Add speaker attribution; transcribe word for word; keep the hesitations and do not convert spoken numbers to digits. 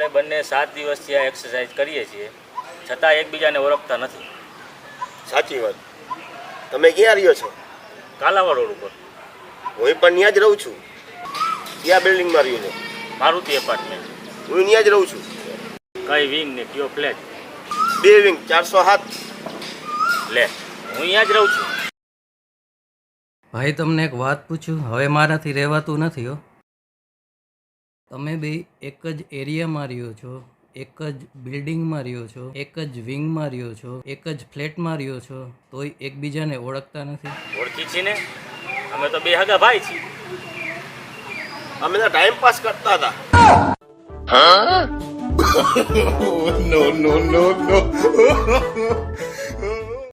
Speaker 1: આપણે બંને સાત દિવસથી આ એક્સરસાઇઝ કરીએ છીએ, છતાં એકબીજાને ઓળખતા નથી.
Speaker 2: સાચી વાત. તમે ક્યાં રહ્યો છો?
Speaker 1: કાલાવાડ રોડ ઉપર.
Speaker 2: હું પણ ત્યાં જ રહું છું. ક્યાં બિલ્ડિંગમાં રહ્યો છો?
Speaker 1: મારુતિ એપાર્ટમેન્ટ.
Speaker 2: હું ત્યાં જ રહું છું.
Speaker 1: કઈ વિંગ ને કયો ફ્લેટ?
Speaker 2: બે વિંગ ચારસો સાત.
Speaker 1: લે, હું અહીંયા જ રહું છું.
Speaker 3: ભાઈ તમને એક વાત પૂછું, હવે મારાથી રહેવાતું નથી હો. તમે બે એક જ એરિયામાં રહ્યો છો, એક જ બિલ્ડિંગમાં રહ્યો છો, એક જ વિંગમાં રહ્યો છો, એક જ ફ્લેટમાં રહ્યો છો, તોય એકબીજાને ઓળખતા નથી.
Speaker 1: ઓળખી છીએ ને, અમે તો બે હગા ભાઈ છીએ.
Speaker 2: અમે તો ટાઈમ પાસ કરતા હતા.
Speaker 4: no, no, no, no.